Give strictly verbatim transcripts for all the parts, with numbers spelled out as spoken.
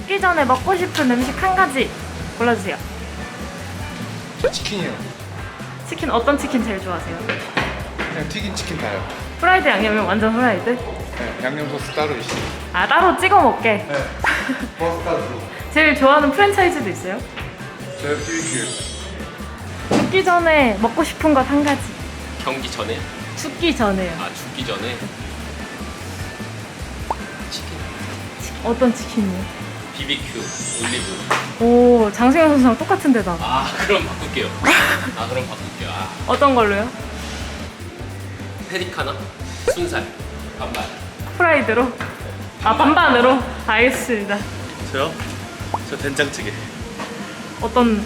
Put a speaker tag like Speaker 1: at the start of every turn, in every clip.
Speaker 1: 죽기 전에 먹고 싶은 음식 한 가지 골라주세요.
Speaker 2: 저 치킨이요.
Speaker 1: 치킨 어떤 치킨 제일 좋아하세요?
Speaker 2: 그냥 튀긴 치킨 다요.
Speaker 1: 프라이드 양념이면 완전 프라이드?
Speaker 2: 네, 양념 소스 따로 있어요.
Speaker 1: 아 따로 찍어 먹게?
Speaker 2: 네. 머스타드.
Speaker 1: 제일 좋아하는 프랜차이즈도 있어요?
Speaker 2: 저 비비큐.
Speaker 1: 죽기 전에 먹고 싶은 것 한 가지.
Speaker 3: 경기 전에?
Speaker 1: 죽기 전에요.
Speaker 3: 아 죽기 전에? 치킨
Speaker 1: 어떤 치킨이요?
Speaker 3: 비비큐 올리브.
Speaker 1: 오 장승현 선수랑 똑같은 데다.
Speaker 3: 아 그럼 바꿀게요. 아 그럼 바꿀게요. 아
Speaker 1: 어떤 걸로요?
Speaker 3: 페리카나 순살 반반.
Speaker 1: 프라이드로? 아 반반으로? 알겠습니다.
Speaker 4: 저요? 저 된장찌개.
Speaker 1: 어떤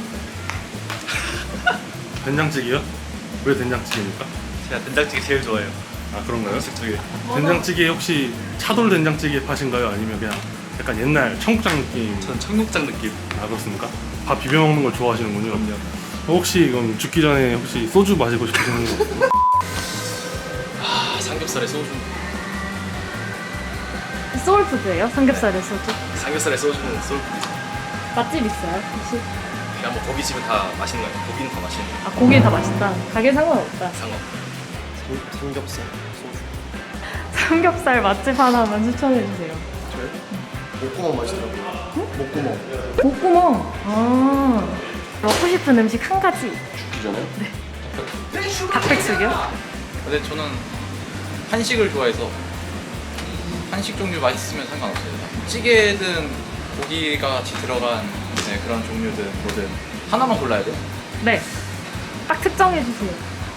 Speaker 4: 된장찌개요? 왜 된장찌개입니까?
Speaker 5: 제가 된장찌개 제일 좋아해요.
Speaker 4: 아 그런가요? 식찌개. 된장찌개 혹시 차돌 된장찌개 팥인가요? 아니면 그냥 약간 옛날 청국장 느낌?
Speaker 5: 전 청국장 느낌.
Speaker 4: 아 그렇습니까? 밥 비벼 먹는 걸 좋아하시는군요. 그럼요. 혹시 그럼 죽기 전에 혹시 소주 마시고 싶으신 거?
Speaker 3: 아 삼겹살에 소주.
Speaker 1: 소울푸드예요? 삼겹살에 소주?
Speaker 5: 삼겹살에 소주는 소울푸드죠.
Speaker 1: 맛집 있어요? 혹시?
Speaker 5: 그냥 뭐 고깃집은 다 맛있는 거예요. 고기는 다 맛있는 거예요.
Speaker 1: 아 고기 다 맛있다. 가게 상관없다.
Speaker 5: 상관. 삼겹살, 소주.
Speaker 1: 삼겹살 맛집 하나만 추천해 주세요.
Speaker 2: 저요? 목구멍 맛있더라고요. 목구멍.
Speaker 1: 목구멍. 아 먹고 싶은 음식 한 가지.
Speaker 2: 죽기 전에요?
Speaker 1: 닭백숙이요?
Speaker 6: 근데 저는 한식을 좋아해서 한식 종류 맛있으면 상관없어요. 찌개든 고기가 같이 들어간 네, 그런 종류든 뭐든 하나만 골라야 돼요.
Speaker 1: 네. 딱 특정해 주세요.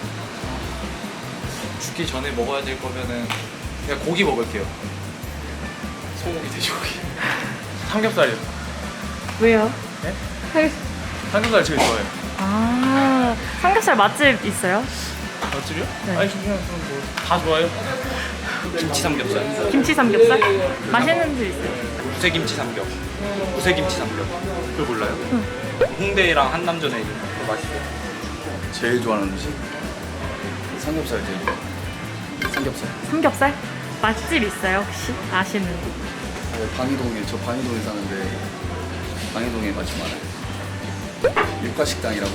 Speaker 6: 죽기 전에 먹어야 될 거면은 그냥 고기 먹을게요. 소고기, 돼지고기. 삼겹살이요.
Speaker 1: 왜요?
Speaker 6: 네?
Speaker 1: 삼-
Speaker 6: 삼겹살 제일 좋아해요.
Speaker 1: 아 삼겹살 맛집 있어요?
Speaker 6: 맛집이요?
Speaker 1: 네.
Speaker 6: 아니 그냥 뭐다 좋아요.
Speaker 5: 김치 삼겹살.
Speaker 1: 김치 삼겹살? 맛있는 집 있어요?
Speaker 5: 우세김치 삼겹. 우세김치 삼겹. 그거 몰라요? 홍대랑 한남전에 있는 거 맛있어요.
Speaker 7: 제일 좋아하는 음식? 삼겹살 제일 좋아. 삼겹살.
Speaker 1: 삼겹살? 맛집 있어요 혹시? 아시는 거?
Speaker 7: 어, 방이동에 저 방이동에 사는데 방이동에 맛집 많아요. 육가식당이라고.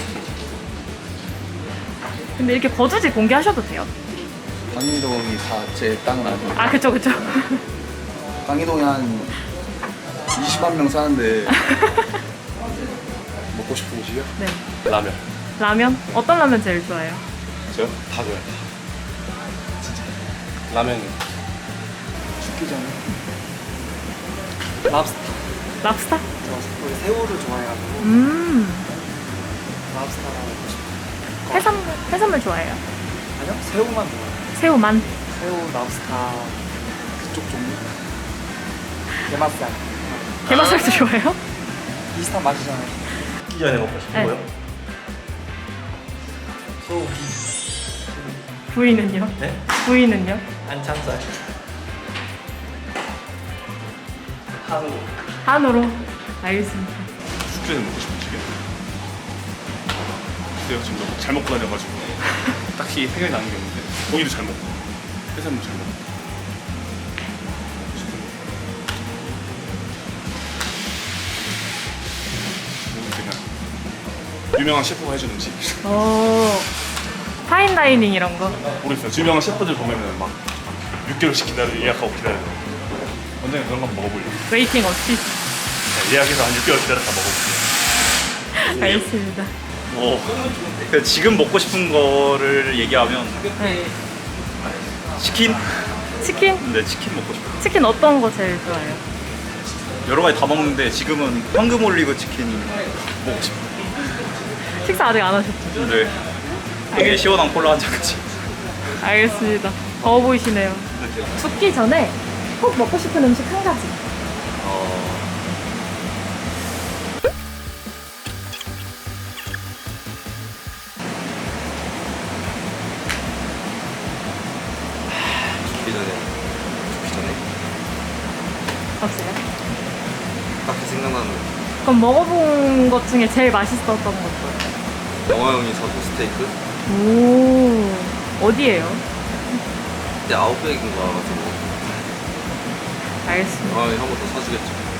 Speaker 1: 근데 이렇게 거주지 공개하셔도 돼요?
Speaker 7: 방이동이 다 제 땅은 아니에요.
Speaker 1: 아 그쵸 그쵸.
Speaker 7: 방이동에 한 이십만 명 사는데 먹고 싶은 음식이요?
Speaker 1: 네.
Speaker 5: 라면.
Speaker 1: 라면? 어떤 라면 제일 좋아해요?
Speaker 5: 저요? 다 좋아해요. 진짜. 라면.
Speaker 7: 죽기 전에
Speaker 8: 랍스터.
Speaker 1: 랍스타?
Speaker 8: 저 원래 새우를 좋아해가지고
Speaker 1: 음
Speaker 8: 랍스타랑 먹고 싶어요.
Speaker 1: 해산물, 해산물 좋아해요?
Speaker 8: 아니요? 새우만 좋아해요.
Speaker 1: 새우만?
Speaker 8: 새우, 랍스타 그쪽 종류. 게맛살.
Speaker 1: 게맛살도 좋아해요?
Speaker 8: 비슷한 맛이잖아요.
Speaker 5: 죽기 전에 먹고 싶은
Speaker 1: 네.
Speaker 5: 거요?
Speaker 8: 소고기.
Speaker 1: 부위는요?
Speaker 5: 네?
Speaker 1: 부위는요?
Speaker 8: 안창살. 한우.
Speaker 1: 한우로? 알겠습니다.
Speaker 4: 죽기 전에 먹고 싶은 음식이요? 글쎄요 지금 너무 잘 먹고 다녀가지고 딱히 생각이 나는 게 없는데 고기도 잘 먹고 해산물 잘 먹고 그냥 유명한 셰프가 해준 음식
Speaker 1: 오 파인다이닝 이런 거?
Speaker 4: 모르겠어요. 유명한 셰프들 보면은 막 육 개월씩 기다려 예약하고 기다려요. 언젠가 그런 거 한번 먹어보려고.
Speaker 1: 웨이팅 없이?
Speaker 4: 네, 예약해서 한 육 개월 기다렸다 먹어볼게요.
Speaker 1: 알겠습니다.
Speaker 5: 뭐 지금 먹고 싶은 거를 얘기하면
Speaker 1: 네.
Speaker 5: 치킨?
Speaker 1: 치킨?
Speaker 5: 네, 치킨 먹고 싶어요.
Speaker 1: 치킨 어떤 거 제일 좋아해요?
Speaker 5: 여러 가지 다 먹는데 지금은 황금 올리브 치킨 먹고 싶어요.
Speaker 1: 식사 아직 안 하셨죠?
Speaker 5: 네. 되게 시원한 콜라 한 잔까지.
Speaker 1: 알겠습니다. 더워 보이시네요. 죽기 전에 꼭 먹고 싶은 음식 한 가지.
Speaker 5: 죽기 전에 죽기 전에
Speaker 1: 없어요?
Speaker 5: 딱히 생각나는
Speaker 1: 그럼 먹어본 것 중에 제일 맛있었던 것도?
Speaker 5: 영화 형이 사준 스테이크?
Speaker 1: 오 어디에요?
Speaker 5: 그때 아웃백인가 가지고
Speaker 1: 알겠습니다.
Speaker 5: 영화 형이 한 번 더 사주겠죠.